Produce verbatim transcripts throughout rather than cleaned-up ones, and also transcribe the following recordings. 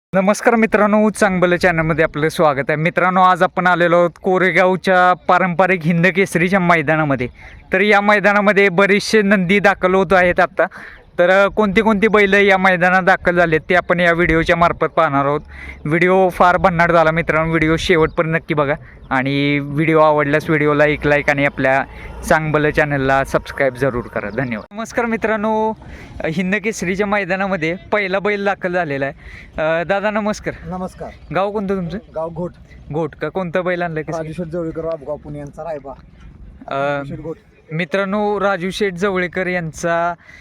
नमस्कार मित्रांनो, चांगलं चॅनलमध्ये आपलं स्वागत आहे. मित्रांनो, आज आपण आलेलो आहोत कोरेगावच्या पारंपरिक हिंद केसरीच्या मैदानामध्ये. तर या मैदानामध्ये बरेचसे नंदी दाखल होत आहेत आत्ता. तर कोणती कोणती बैल या मैदानात दाखल झालेत ते आपण या व्हिडिओच्या मार्फत पाहणार आहोत. व्हिडिओ फार भन्नाट झाला मित्रांनो, व्हिडिओ शेवटपर्यंत नक्की बघा आणि व्हिडिओ आवडल्यास व्हिडिओला एक लाईक आणि आपल्या चांगलं चॅनलला सबस्क्राईब जरूर करा. धन्यवाद. नमस्कार मित्रांनो, हिंद केसरीच्या मैदानामध्ये पहिला बैल दाखल झालेला आहे. दादा नमस्कार. नमस्कार. गाव कोणतं तुमचं? गाव घोट. घोट का? कोणतं बैल आणलं? राजेश्वर जवळकर, बाबगाव पुणे यांचा रायबा. अं, घोट. मित्रांनो, राजू शेठ जवळेकर यांचा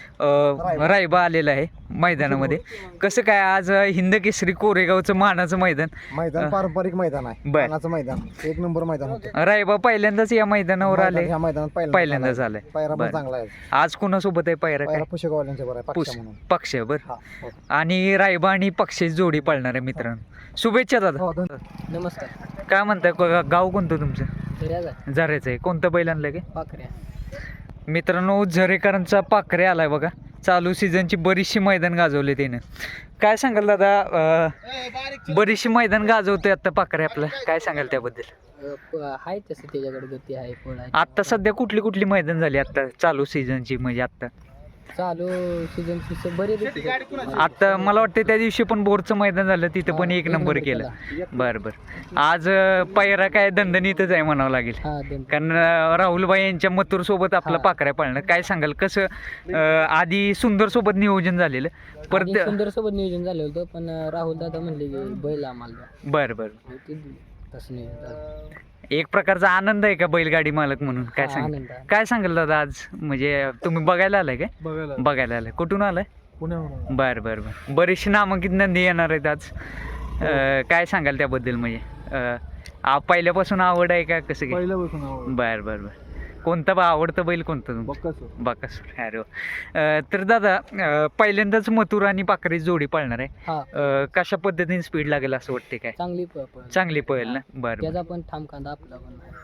रायबा आलेला आहे मैदानामध्ये. कसं काय आज हिंद केसरी कोरेगावचं मानाचं मैदान मैदान पारंपरिक मैदान आहे. बर. मानाचं मैदान एक नंबर मैदान होतं. रायबा पहिल्यांदाच या मैदानावर आले. या मैदानात पहिल्यांदाच आलंय. पायरा पण बर. चांगला आहे. आज कोणासोबत आहे पायरा? काय पायरा पुशेगावल्यांच्या बरं आहे, पुस पक्ष म्हणून. पक्ष बर. हा, हो. आणि रायबा आणि पक्षाची जोडी पाळणार आहे मित्रांनो. शुभेच्छा दादा. हो, धन्यवाद. नमस्कार. काय म्हणताय? ग- गाव कोणतं तुमचं? झऱ्याचा झऱ्याचं आहे. कोणतं बैल आणलं काय पाखऱ्या. मित्रांनो? झरेकरांचा पाखरे आलाय बघा. चालू सीझनची बरीचशी मैदान गाजवले त्यानं. काय सांगाल दादा? अं, बरीचशी मैदान गाजवतोय आता पाखरे आपलं. काय सांगाल त्याबद्दल? अ, प- आहे तसं त्याच्याकडे गती आहे, पळ आहे. आत्ता सध्या कुठली कुठली मैदान झाली आत्ता चालू सीझनची? म्हणजे आत्ता चालू सीझन बरेच आता मला वाटतं त्या दिवशी पण बोरचं मैदान झालं, तिथं पण एक नंबर केलं. बरं बरं. आज अं, पायरा काय दणदणीतच आहे म्हणावं लागेल. हा दोन कारण अं, राहुलबाई यांच्या मथुर सोबत आपलं हा. पाखऱ्या पाळणं. काय सांगाल कसं? अं, आधी सुंदर सोबत नियोजन झालेलं परत. सुंदर सोबत नियोजन झालं होतं, पण राहुल दादा म्हणले की बैल आम्हाला द्या. बरं बरं. मग ते तसं नियोजन झालं. एक प्रकारचा आनंद आहे का बैलगाडी मालक म्हणून? काय हा, सांग आनंद आहे. काय सांगाल दादा आज? म्हणजे तुम्ही बघायला आलाय काय? बघायला बघायला आलाय. कुठून आलाय? पुण्याहून. बरं बरं बरं. बरेचसे नामांकित नंदी येणार आहेत आज. अं, काय सांगाल त्याबद्दल? म्हणजे अं, आ- पहिल्यापासून आवड आहे का कसं काय? पहिल्यापासून बरं बरं बरं. कोणतं बा आवडतं बैल कोणतं तुमचं? बक्कासूर. बाकासूर. अरे वा. अं, तर दादा, अं, पहिल्यांदाच मथुर आणि पाखरेची जोडी पाळणार आहे. हा अं, कशा पद्धतीने स्पीड लागेल असं वाटते? काय चांगली प- पळ. चांगली पळेल ना? बरं बरं. त्याचा पण ठाम कांदा आपला पण आहे.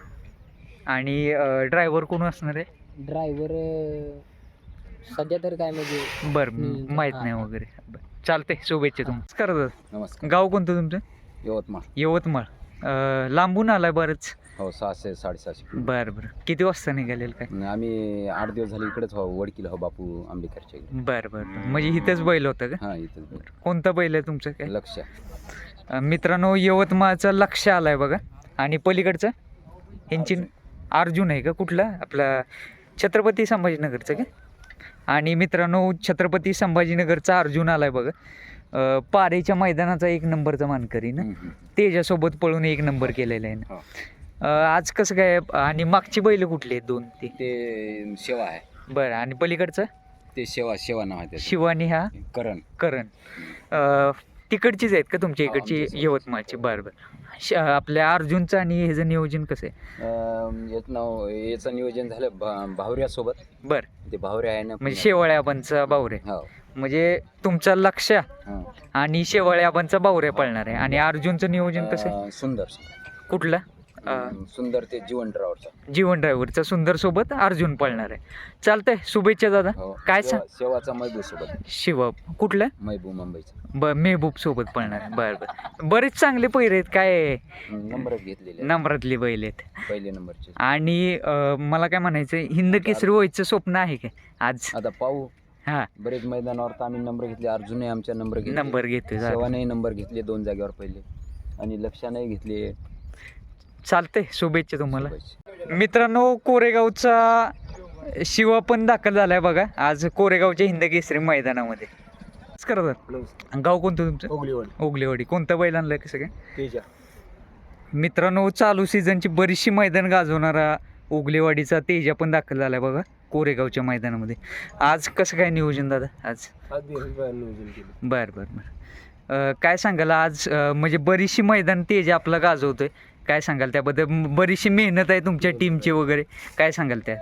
आणि ड्रायव्हर कोण असणार आहे? ड्रायव्हर सध्या तर काय म्हणजे बरं, हम्म, माहित हा, नाही हा. वगैरे. बरं. चालतंय. शुभेच्छा तुम्हाला. नमस्कार दादा. नमस्कार. गाव कोणतं तुमचं? यवतमाळ. यवतमाळ. अं, लांबून आलाय बरंच. हो, सहाशे साडेसहाशे. बरं बरं. किती वाजता निघालेल काय? आणि आम्ही आठ दिवस झाले इकडेच हो, वडकीला हो, बापू आंबेकरच्या इकडे. बरं बरं बरं. म्हणजे इथंच बैल होतं का? हा, इथं कोणता बैल आहे तुमचं काय? लक्ष. अं, मित्रांनो, यवतमाळचं लक्ष आलाय बघा. आणि पलीकडचं ह्यांची अर्जुन आहे का? कुठला? आपला छत्रपती संभाजीनगरचं का? आणि मित्रांनो, छत्रपती संभाजीनगरचा अर्जुन आलाय बघा. अं, पारेच्या मैदानाचा एक नंबरचा मानकरी ना. हम्म, हम्म. तेजासोबत पळून एक नंबर केलेला आहे ना. हो. अं, आज कसं काय? आणि मागची बैल कुठली आहेत? दोन ते. ते शेवा आहे. बरं. आणि पलीकडचं ते शेवा शेवा नाव आहे त्याचं. शिवानी हा करण. करण. अं, तिकडचीच आहेत का तुमच्या हो, इकडची? आमच्याच. यवतमाळची. बरं बरं. श- आपल्या अर्जुनचं आणि ह्याचं नियोजन कसं आहे? अं, याचं नाव याचं नियोजन झालं भा- भावऱ्यासोबत. बरं. ते भावऱ्या आहे ना. म्हणजे शेवाळे आबांचा बावरे. हो. म्हणजे तुमचा लक्ष हा. आणि शेवाळे आबांचा बावरे पळणार आहे. आणि अर्जुनचं नियोजन कसं आहे? अं, सुंदर. कुठलं? अं, अं, सुंदर ते जीवन ड्रायव्हरचा. जीवन ड्रायव्हरचा सुंदर सोबत अर्जुन पळणार आहे. चालतंय. शुभेच्छा दादा. हो. काय शेवा- सांग? शेवाचा महबूब सोबत. शिव कुठलं? महबूब मुंबईचा. ब मेहबूब सोबत पळणार आहे. बरं बरं. बरेच चांगले पैरे आहेत. काय नंबर घेतलेले नंबरातली बैल आहेत. पहिले नंबरचे. आणि अं, मला काय म्हणायचं, हिंद केसरी व्हायचं स्वप्न आहे काय आज? आता पाहू. हा, बरेच मैदानावर तर आम्ही नंबर घेतले. अर्जुनही आमच्या नंबर घेतले. नंबर घेतोय. झालं. सेवानेही नंबर घेतले दोन जागेवर पहिले. आणि लक्षानेही घेतले. चालतंय. शुभेच्छा तुम्हाला. शुभेच्छा. मित्रांनो, कोरेगावचा शिवा पण दाखल झालाय बघा आज कोरेगावच्या हिंद केसरी मैदानामध्ये. करतात. गाव कोणतं तुमचं? ओगलीवाडी. ओगलेवाडी. कोणतं बैल आणलंय कसं काय? तेजा. मित्रांनो, चालू सीझनची बरीचशी मैदान गाजवणारा ओगलेवाडीचा तेजा पण दाखल झालाय बघा कोरेगावच्या मैदानामध्ये. आज कसं काय नियोजन दादा? आज नियोजन केलं. बरं बरं बरं. अं, काय सांगाल आज? अं, म्हणजे बरीचशी मैदान तेजा आपला गाजवतोय. काय सांगाल त्याबद्दल? म- बरीचशी मेहनत आहे तुमच्या टीमची वगैरे. काय सांगाल त्या?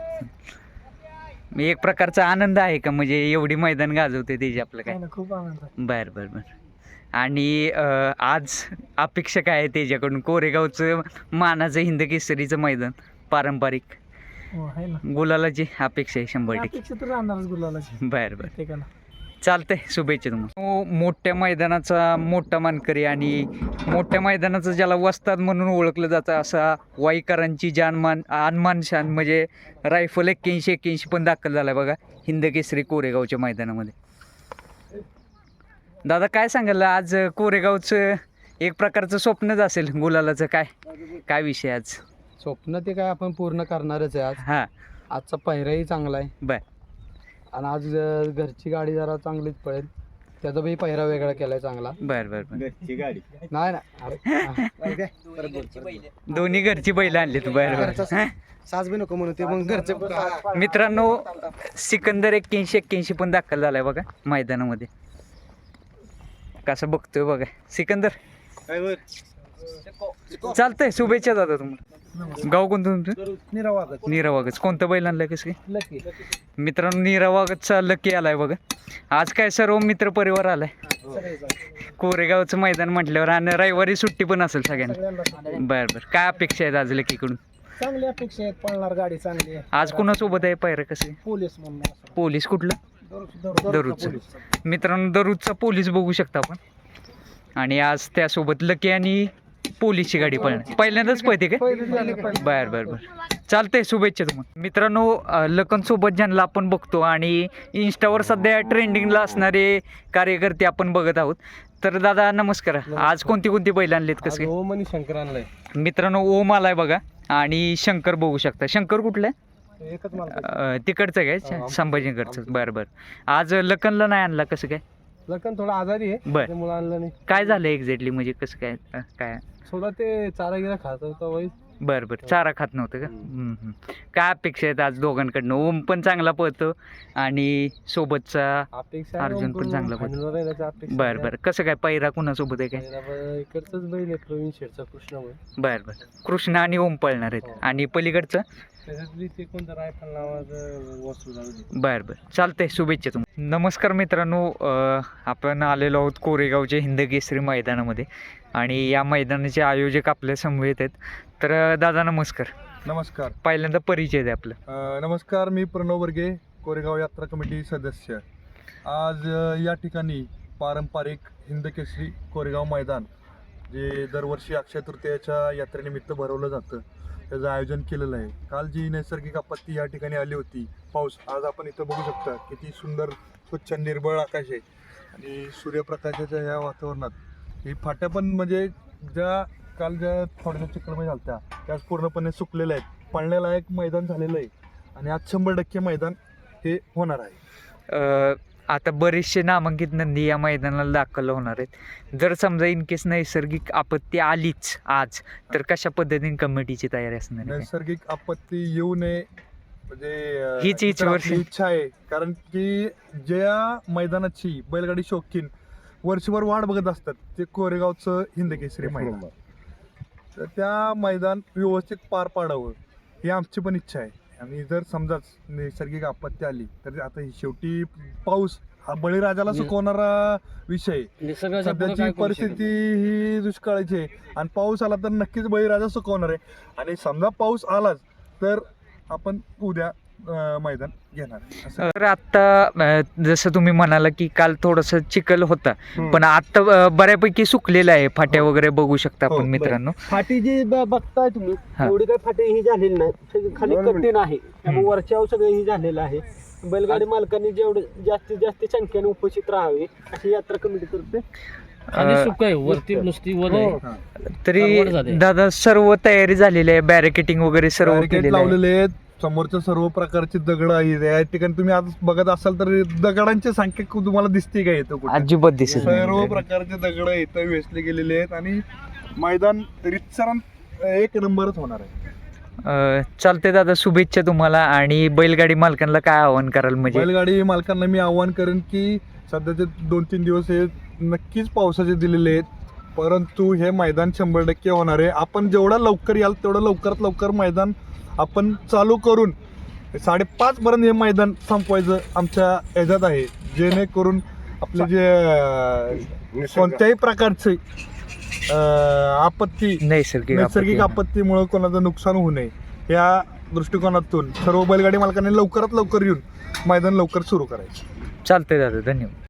एक प्रकारचा आनंद आहे का? म्हणजे एवढी मैदान गाजवते तेजा आपलं काय? खूप आनंद आहे. बरं बरं बरं. आणि अं, आज अपेक्षा काय आहे त्याच्याकडून? कोरेगावचं मानाचं हिंद केसरीचं मैदान पारंपरिक हो, आहे ना. गुलालाची अपेक्षा आहे शंभर टक्के. अपेक्षा तर राहणारच गुलालाची बरं बरं. प्रत्येकाला. चालतंय, शुभेच्छा तुम्हाला. हो, मोठ्या मैदानाचा मोठा मानकरी आणि मोठ्या मैदानाचं ज्याला वस्ताद म्हणून ओळखलं जातं असा वाईकरांची जानमान आनमान शान म्हणजे रायफल एक्क्याऐंशी एक्क्याऐंशी पण दाखल झाला बघा हिंद केसरी कोरेगावच्या मैदानामध्ये. दादा काय सांगाल आज कोरेगावचं एक प्रकारचं स्वप्नच असेल गुलालाचं, काय काय विषय आज? स्वप्न ते काय आपण पूर्ण करणारच आहे आज. हां आजचा पहिराही चांगला आहे बर आणि आज अं, घरची गाडी जरा चांगलीच पळेल. त्याचा बी पहिरा वेगळा केलाय चांगला. बर बर बर नाही ना अरे दोन्ही घरची बैल आणली तू. बर बर साज बी नको म्हणून ते मग घरचे. मित्रांनो सिकंदर एक्क्याऐंशी एक्क्याऐंशी पण दाखल झालाय बघा मैदानामध्ये. कसं बघतोय बघा सिकंदर. चालतंय, शुभेच्छा दादा तुम्हाला. गाव कोणतं तुमचं? निरावागत नीरावागच. कोणतं बैल आणलंय कसं काय? लकी मित्रांनो नीरावागतचा लकी आलाय बघा. आज काय सर्व मित्र परिवार आलाय कोरेगावचं मैदान म्हटल्यावर आणि रविवारी सुट्टी पण असेल सगळ्यांना. बरं बरं काय अपेक्षा आहेत आज लकीकडून? चांगली अपेक्षा आहेत. पळणार गाडी चांगली आहे. आज कुणासोबत आहे पायरं कसं आहे? पोलीस म्हणून पोलीस कुठलं? दररोजचं. मित्रांनो दररोजचा पोलीस बघू शकता आपण आणि आज त्यासोबत लकी आणि पोलीसची गाडी पळणार. पहिल्यांदाच पळते काय? बर बर बर चालतंय, शुभेच्छा तुम्हाला. मित्रांनो लखन सोबत ज्यांना आपण बघतो आणि इंस्टावर सध्या ट्रेंडिंगला असणारे कार्यकर्ते आपण बघत आहोत. तर दादा नमस्कार. आज कोणती कोणती बैल आणलीत कसं काय? ओम आणि शंकर आणलाय. मित्रांनो ओम आलाय बघा आणि शंकर बघू शकता. शंकर कुठलं आहे? एकच मला अं, तिकडचं काय संभाजीनगरचं? बरं बरं. आज लखनला नाही आणला कसं काय? लखन थोडा आजारी आहे बर. त्यामुळे आणलं नाही. काय झालं एक्झॅक्टली म्हणजे कसं काय अं, काय? थोडा ते चारा गिरा खात होता वाईस. बरं बरं चारा खात नव्हतं का? हम्म, हम्म. काय अपेक्षा आहेत आज दोघांकडनं? ओम पण चांगला पळतो आणि सोबतचा अपेक्षा अर्जुन पण चांगला पळतो. फायनलवर राहिल्याची अपेक्षा बरं बरं कसं काय पैरा कुणासोबत आहे काय? आहे. इकडचंच बैल आहे प्रवीण शेठचा कृष्णामुळे. बरं बरं कृष्ण आणि ओम पळणार आहेत आणि पलीकडचं त्याच्यातली ते कोणतं रायफल नावाचं वस्तू जाऊ दे. बरं बरं चालतंय, शुभेच्छा तुम्हाला. नमस्कार मित्रांनो, अं, आपण आलेलो आहोत कोरेगावच्या हिंद केसरी मैदानामध्ये आणि या मैदानाचे आयोजक आपल्या समवेत आहेत. तर अं, दादा नमस्कार. नमस्कार. पहिल्यांदा परिचय द्या आपलं. अ, नमस्कार, मी प्रणव वर्गे, कोरेगाव यात्रा कमिटी सदस्य. आज अ, या ठिकाणी पारंपरिक हिंद केसरी कोरेगाव मैदान जे दरवर्षी अक्षय तृतीयाच्या यात्रेनिमित्त भरवलं जातं त्याचं आयोजन केलेलं आहे. काल जी नैसर्गिक आपत्ती या ठिकाणी आली होती पाऊस, आज आपण इथं बघू शकता किती सुंदर स्वच्छ निर्मळ आकाश आहे आणि सूर्यप्रकाशाच्या ह्या वातावरणात ही फाट्या पण म्हणजे ज्या काल ज्या थोड्या चिखलमय झाल्या त्या आज पूर्णपणे सुकलेल्या आहेत. पळण्यालायक मैदान झालेलं आहे आणि आज शंभर टक्के मैदान हे होणार आहे. अं, आता बरेचसे नामांकित नंदी या मैदानाला दाखल होणार आहेत. जर समजा इन केस नैसर्गिक आपत्ती आलीच आज तर कशा पद्धतीने कमिटीची तयारी असणार आहे? नैसर्गिक आपत्ती येऊ नये म्हणजे अ, हीच- हीच तर आपली वर्षी- इच्छा आहे. कारण की ज्या मैदानाची बैलगाडी शौकीन वर्षभर वाट बघत असतात ते कोरेगावचं हिंद केसरी मैदान. तर त्या मैदान व्यवस्थित पार पाडावं ही आमची पण इच्छा आहे. आणि जर समजाच नैसर्गिक आपत्ती आली तर आता ही शेवटी पाऊस हा बळीराजाला सुकवणारा विषय. सध्याची परिस्थिती ही दुष्काळाची आहे आणि पाऊस आला तर नक्कीच बळीराजा सुकवणार आहे. आणि समजा पाऊस आलाच तर आपण उद्या अं, मैदान घेणार आहे. असं तर आता अं, जसं तुम्ही म्हणाला की काल थोडंसं चिखल होता हम्म. पण आता अं, बऱ्यापैकी सुकलेलं आहे. फाट्या वगैरे बघू शकता हो, आपण मित्रांनो. फाटी जी ब- बघताय तुम्ही हा. एवढी काही फाटी ही झालेली नाही. सगळी खाली दोन कठीण आहे त्यामुळे वरच्यावर सगळं ही झालेलं आहे. बैलगाडी मालकांनी जेवढं जास्तीत जास्त संख्येने उपस्थित राहावे अशी यात्रा कमिटी करते. अं, सुक आहे वरती नुसती वर हो. आहे. तरी परवड झाले. दादा सर्व तयारी झालेली आहे, बॅरिकेटिंग वगैरे सर्व बॅरिकेड केलेलं आहे. लावलेले आहेत. समोरच्या सर्व प्रकारची दगड आहेत. या ठिकाणी तुम्ही आज बघत असाल तर दगडांची संख्या खूप तुम्हाला दिसते का येतं कुठे? अजिबात दिसत सर्व नाही. प्रकारचे दगड इथं वेचले गेलेले आहेत आणि मैदान रितसर एक नंबरच होणार आहे. अं, चालते दादा, शुभेच्छा तुम्हाला. आणि बैलगाडी मालकांना काय आवाहन कराल म्हणजे? बैलगाडी मालकांना मी आवाहन करेन की सध्याचे दोन तीन दिवस हे नक्कीच पावसाचे दिलेले आहेत, परंतु हे मैदान शंभर टक्के होणार आहे. आपण जेवढा लवकर याल तेवढं लवकरात लवकर मैदान आपण चालू करून साडेपाच पर्यंत हे मैदान संपवायचं आमच्या ह्याच्यात आहे, जेणेकरून आपले जे अं, कोणत्याही प्रकारचे अं, आपत्ती नैसर्गिक नैसर्गिक आपत्ती. आपत्तीमुळे कोणाचं नुकसान होऊ नये या दृष्टिकोनातून सर्व बैलगाडी मालकांनी लवकरात लवकर येऊन मैदान लवकर सुरू करायचं. चालतंय दादा, धन्यवाद.